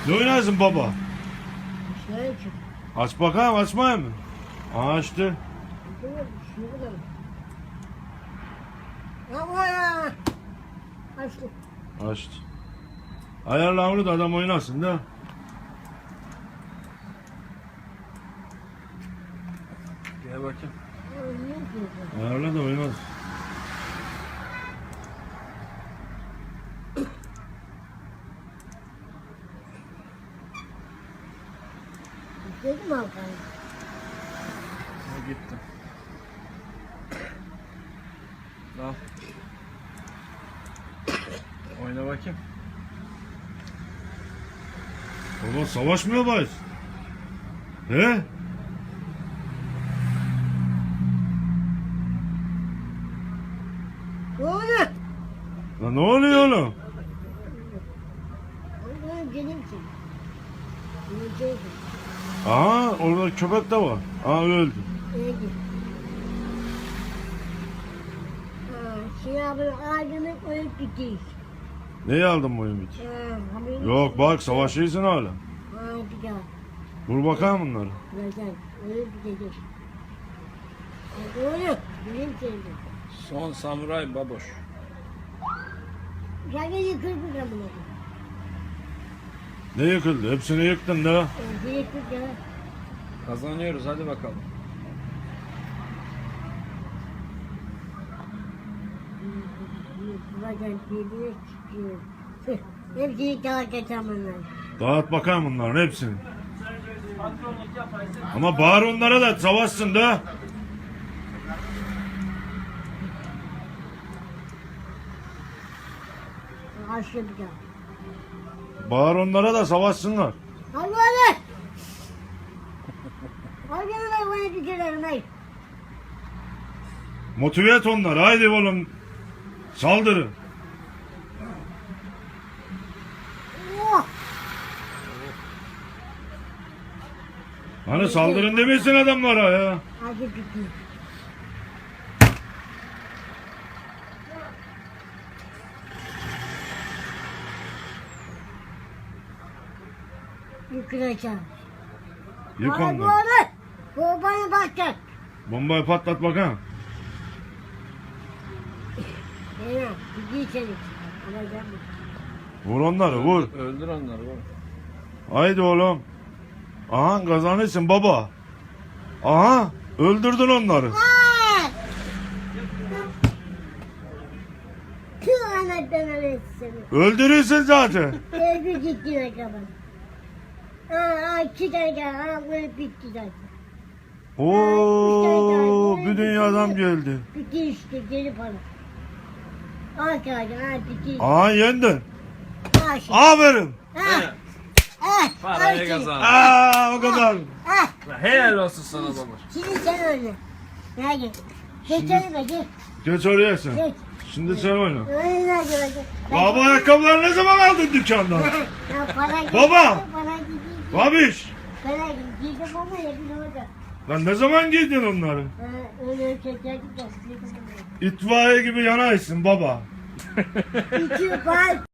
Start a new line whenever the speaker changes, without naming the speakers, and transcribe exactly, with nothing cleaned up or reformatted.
Ne oynarsın baba?
Şöyle çık.
Aç bakalım, açmayayım mı? Aa, açtı.
Şuradan. Ama ya. Açtı.
Açtı. Ayarla onu da adam oynasın da.
Gel bakayım.
Ayarla da oynasın.
Dedim mi Hakan?
Ha, gitti. Al. Oyna bakayım.
Baba savaşmıyor bayız. He?
Ne oluyor?
Lan ne oluyor oğlum?
Oğlum benim için. Yiyeceksin.
Aha, orada köpek de var. Aa, öldü.
Öldü. Ha, Şey abi ağacını koyup gideceğiz.
Neyi aldın bu ümit?
Ha, haberin
Yok bak, savaşıyorsun hala.
Ha, bir daha.
Vur bakalım bunları.
Güzel. Öyle gideceğiz. Ha, Oğlum benim sevdim.
Son samuray baboş.
Sen de yıkır bu zamını.
Ne yıkıldı? Hepsini yıktın da.
Bir yıkır ya.
Kazanıyoruz, hadi bakalım.
Bazen birbirine çıkıyor. Hepsini daha kaçamanlar.
Dağıt bakalım bunların hepsini. Ama bağır onlara da savaşsın da.
Aşağı bir daha.
Bağır onlara da savaşsınlar.
Hadi hadi. Hadi hadi bana tükürelim hayır.
Motive et onları. Haydi oğlum. Saldırın.
Oh.
Hani saldırın demesin adamlara ya.
Hadi tükür. Yıkılacağım.
Yık
Hadi
onları.
hadi. Bu bana bakacak.
Bombayı patlat bakalım.
Zeynep, gidiyor seni. Alacağım.
Vur onları, vur.
Öldür onları oğlum.
Haydi oğlum. Aha, kazanırsın baba. Aha, öldürdün onları.
Aa! Tüm anahtarları etsin.
Öldürürsün zaten.
Evde gittiğine kadar. Aa, aa, iki tane daha. Aa, böyle bitti zaten.
Oo, bir dünya adam geldi.
Bitti işte, geri para. Al kağıdı, al bitti.
Aha, yendin.
Al şimdi.
Aferin.
Ha. Ah,
Parayı
al şimdi.
kazan.
Aa, o kadar.
Ah,
Helal olsun sana baboş.
şimdi sen oyna. Hadi. Geç oyna, geç.
Geç oraya sen.
Geç.
Şimdi sen oyna.
Oyna, hadi, hadi.
Baba, ayakkabıları ne zaman aldın dükkandan?
Ya para gitti,
Baba!
para gitti.
Babiş.
Para gitti ama yakın olacak.
Lan ne zaman giydin onları?
Ha, öyle çekerdik de.
İtfaiye gibi yanaysın baba.
İki var.